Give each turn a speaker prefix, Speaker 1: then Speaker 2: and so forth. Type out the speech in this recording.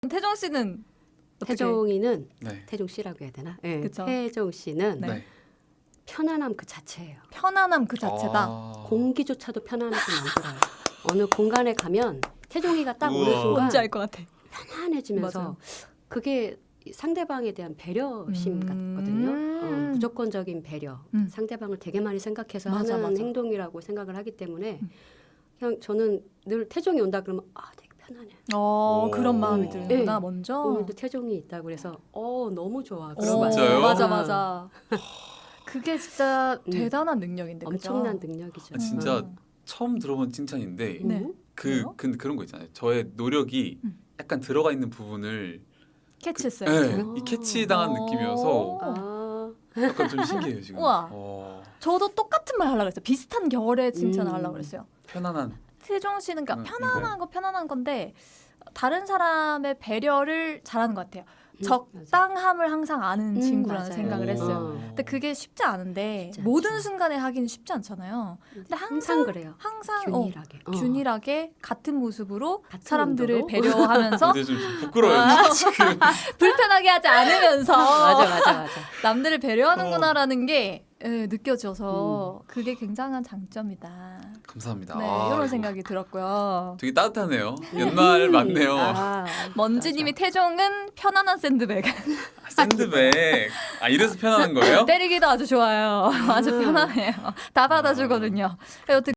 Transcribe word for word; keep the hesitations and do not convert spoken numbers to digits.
Speaker 1: 태종 씨는 어떻게?
Speaker 2: 태종이는
Speaker 3: 네.
Speaker 2: 태종 씨라고 해야 되나? 네.
Speaker 1: 그쵸.
Speaker 2: 태종 씨는
Speaker 1: 네.
Speaker 3: 네.
Speaker 2: 편안함 그 자체예요.
Speaker 1: 편안함 그 자체다.
Speaker 3: 아.
Speaker 2: 공기조차도 편안하게 만들어요. 어느 공간에 가면 태종이가 딱 오는
Speaker 3: 우와.
Speaker 2: 순간
Speaker 1: 뭔지 알 것 같아.
Speaker 2: 편안해지면서
Speaker 1: 맞아요.
Speaker 2: 그게 상대방에 대한 배려심
Speaker 1: 음.
Speaker 2: 같거든요. 어, 무조건적인 배려.
Speaker 1: 음.
Speaker 2: 상대방을 되게 많이 생각해서
Speaker 1: 맞아,
Speaker 2: 하는
Speaker 1: 맞아.
Speaker 2: 행동이라고 생각을 하기 때문에
Speaker 1: 음.
Speaker 2: 그냥 저는 늘 태종이 온다 그러면 아 되게 편안해.
Speaker 1: 어
Speaker 3: 오.
Speaker 1: 그런 마음이 드는구나
Speaker 2: 네.
Speaker 1: 먼저.
Speaker 2: 오늘도 태종이 있다고 그래서 어 너무 좋아.
Speaker 1: 어,
Speaker 2: 그러고
Speaker 3: 진짜요?
Speaker 1: 맞아
Speaker 2: 아,
Speaker 1: 맞아. 그게 진짜
Speaker 2: 음.
Speaker 1: 대단한 능력인데 그죠?
Speaker 2: 엄청난 능력이죠.
Speaker 3: 아, 진짜
Speaker 1: 음.
Speaker 3: 처음 들어본 칭찬인데
Speaker 2: 음.
Speaker 1: 네.
Speaker 3: 그,
Speaker 1: 그래요?
Speaker 3: 그 그런 거 있잖아요. 저의 노력이
Speaker 1: 음.
Speaker 3: 약간 들어가 있는 부분을
Speaker 1: 캐치했어요.
Speaker 3: 네,
Speaker 2: 오.
Speaker 3: 이 캐치 당한 느낌이어서
Speaker 2: 아,
Speaker 3: 약간 좀 신기해요 지금.
Speaker 1: 우와.
Speaker 3: 어,
Speaker 1: 저도 똑같은 말 하려고 했어요. 비슷한 결의 칭찬을
Speaker 2: 음.
Speaker 1: 하려고 그랬어요.
Speaker 3: 편안한.
Speaker 1: 태종 씨는 그러니까
Speaker 3: 음,
Speaker 1: 편안한 거 편안한 건데 다른 사람의 배려를 잘하는 것 같아요.
Speaker 2: 음,
Speaker 1: 적당함을 항상 아는
Speaker 2: 음,
Speaker 1: 친구라는
Speaker 2: 맞아요.
Speaker 1: 생각을 했어요.
Speaker 2: 어.
Speaker 1: 근데 그게 쉽지 않은데
Speaker 2: 쉽지
Speaker 1: 모든
Speaker 2: 않죠.
Speaker 1: 순간에 하기는 쉽지 않잖아요. 근데
Speaker 2: 항상,
Speaker 1: 항상
Speaker 2: 그래요.
Speaker 1: 항상
Speaker 2: 균일하게.
Speaker 1: 어,
Speaker 2: 어.
Speaker 1: 균일하게 같은 모습으로
Speaker 2: 같은
Speaker 1: 사람들을
Speaker 2: 온도로?
Speaker 1: 배려하면서
Speaker 3: 근데 좀 부끄러워요
Speaker 1: 아.
Speaker 3: 지금.
Speaker 1: 불편하게 하지 않으면서
Speaker 2: 맞아 맞아 맞아.
Speaker 1: 남들을 배려하는구나라는
Speaker 3: 어.
Speaker 1: 게 예, 느껴져서 그게 굉장한 장점이다.
Speaker 3: 감사합니다.
Speaker 1: 네,
Speaker 3: 아,
Speaker 1: 이런
Speaker 3: 이거
Speaker 1: 생각이 들었고요.
Speaker 3: 되게 따뜻하네요. 연말 맞네요.
Speaker 2: 아,
Speaker 1: 먼지님이 태종은 편안한 샌드백.
Speaker 3: 아, 샌드백. 아 이래서 편안한 거예요?
Speaker 1: 때리기도 아주 좋아요. 아주
Speaker 2: 음.
Speaker 1: 편안해요. 다 받아주거든요. 어떻게